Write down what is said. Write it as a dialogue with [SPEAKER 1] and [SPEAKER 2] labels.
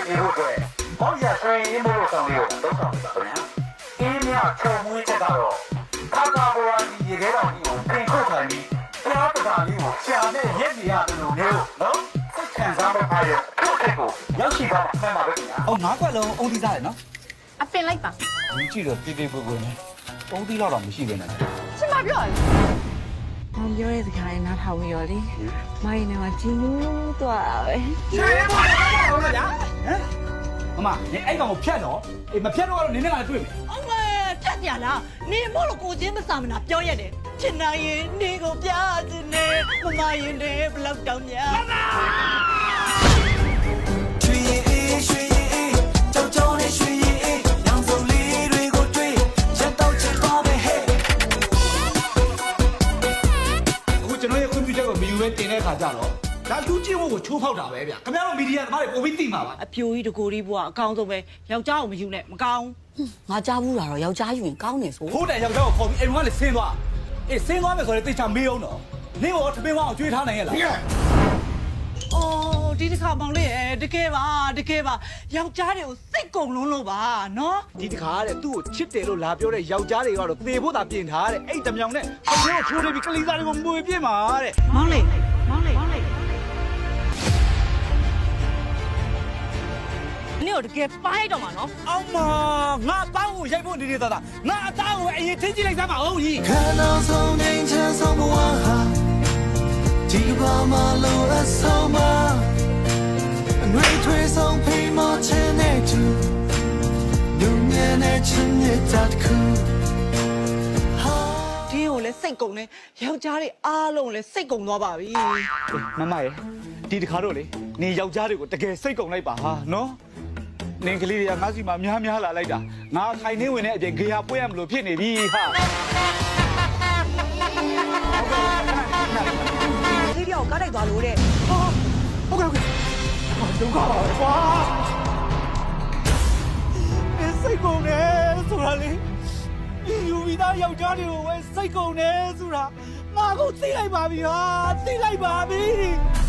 [SPEAKER 1] ပြေဖို့အတွက်ဘောက်ရဆွေးရင်းမို့ဆောင်လေးကိုတော့ဆောင်ပါခင်ဗျာအင်းမြချုံမွေးချက်ကတော့ခါကာဘော်ဒီရေခဲတော်ကြီးကိုပြင်ခုတ်ထိုင်ပြီးတရားပဒါလေးကိုရှာနဲ့ရက်နေရတယ်လို့မျိုးနော်စိတ်ခံစားဖို့အားရထုတ်တဲ့ကိုရောက်ရှိသွားမှန်ပါပဲခင်ဗျာ
[SPEAKER 2] အော်ငါးကွက်လုံးအုံးသီးစားတယ်နော်
[SPEAKER 3] အပင်လိုက်ပါ
[SPEAKER 2] ဒီကြည့်တော့တိတိပွေပွေနဲ့အုံးသီးတော့မရှိပဲနဲ့
[SPEAKER 3] ရှင်မပြောရလေ
[SPEAKER 4] ။မောင်ပြောတဲ့စကားလေးနားထောင်ပြီးရောလေ။မိုင်းနေမှာဂျင်းလို့သွားတာပဲ
[SPEAKER 2] ဟမ်မမနေအဲ့ကောင်ကိုဖြတ်တော့အေးမဖြတ်တော့ကတော့နင်းနဲ့ငါတွေ့မယ်
[SPEAKER 5] အမေဖြတ်ပြလားနေမို့လို့ကိုချင်းမစာမနာပြောရတယ်ချင်နိုင်ရင်နေကိုပြချင်နေမမရင်နေဘလောက်တောင်များ
[SPEAKER 6] ရွှေရင်အေးရွှေရင်အေးကြောက်ကြောက်နဲ့ရွှေရင်အေးရောင်စုံလေးတွေကိုတွေ့ရက်တော့ချင်ပါပဲဟဲ့
[SPEAKER 2] အခုကျွန်တော်ရဲ့ခွင့်ပြုချက်ကိုမယူပဲတင်တဲ့ခါကျတော့ဒါလူချင်းဝကိုချိုးဖောက်တာပဲဗျခင်ဗျားတို့မီဒီယာသမားတွေပုံပြီးသိမှာပါ
[SPEAKER 5] အပြိုကြီးတကိုကြီးဘွားအကောင်းဆုံးပဲယောက်ျားကိုမယူနဲ့မကောင်း
[SPEAKER 4] ။ငါကြားဘူးတာတော့ယောက်ျားယူရင်ကောင်းနေဆို
[SPEAKER 2] ဖိုးတန်ယောက်ျားကိုခေါ်ပြီးအိမ်ကလည်းဆင်းသွားအေးဆင်းသွားမယ်ဆိုရင်တိတ်ချမေးအောင်တော့နင်းရောထမင်းဝအောင်ကျွေးထားနိုင်ရဲ့လား
[SPEAKER 5] အော်ဒီတစ်ခါမောင်လေးတကယ်ပါယောက်ျားတွေကိုစိတ်ကုန်လုံးလို့ပါနော်
[SPEAKER 2] ဒီတခါတဲ့သူ့ကိုချစ်တယ်လို့လာပြောတဲ့ယောက်ျားတွေကတော့သေဖို့သာပြင်ထားတဲ့အဲ့တမြောင်နဲ့အကျိုးချိုးနေပြီးကလေးသားတွေကိုမွေပြစ်မှာတဲ့
[SPEAKER 5] မောင်လေးနေတော့တကယ်ပိုင်းတော့မှာနော်
[SPEAKER 2] အောင်မငါတောင်းကိုရိုက်ဖို့နေနေတာငါအသားကိုအရင်ထင်းကြည့်လိုက်စမ်းပါဦးကြီး
[SPEAKER 6] 看到从年前从不忘哈ဒီကဘာမလို့အဆောင်မအငွေထွေးဆုံးဖိမချင်တဲ့သူညဉ့်နဲ့ချင်တဲ့တတ်ခုဟာ
[SPEAKER 5] ဒီကိုလည်းစိတ်ကုန်နေယောက်ျားတွေအားလုံးလည်းစိတ်ကုန်သွားပါပြီ
[SPEAKER 2] မမရဲ့ဒီတခါတော့လေနေယောက်ျားတွေကိုတကယ်စိတ်ကုန်လိုက်ပါဟာနော်နင်ကလေးတွေကငါစီမှာများလာလိုက်တာငါခိုင်နေဝင်တဲ့အပြင်ဂေဟာပွေးရမလို့ဖြစ်နေပြီဟာ
[SPEAKER 5] ဒီပြောကားတိုက်သွားလို့တဲ့
[SPEAKER 2] ဟုတ်ကဲ့ဒုက္ခပါကွာစိတ်ကုန်နေဆိုတာလေယူပြီးသားယောက်ျားတွေကိုပဲစိတ်ကုန်နေဆိုတာငါကိုသိလိုက်ပါပြီဟာသိလိုက်ပါပြီ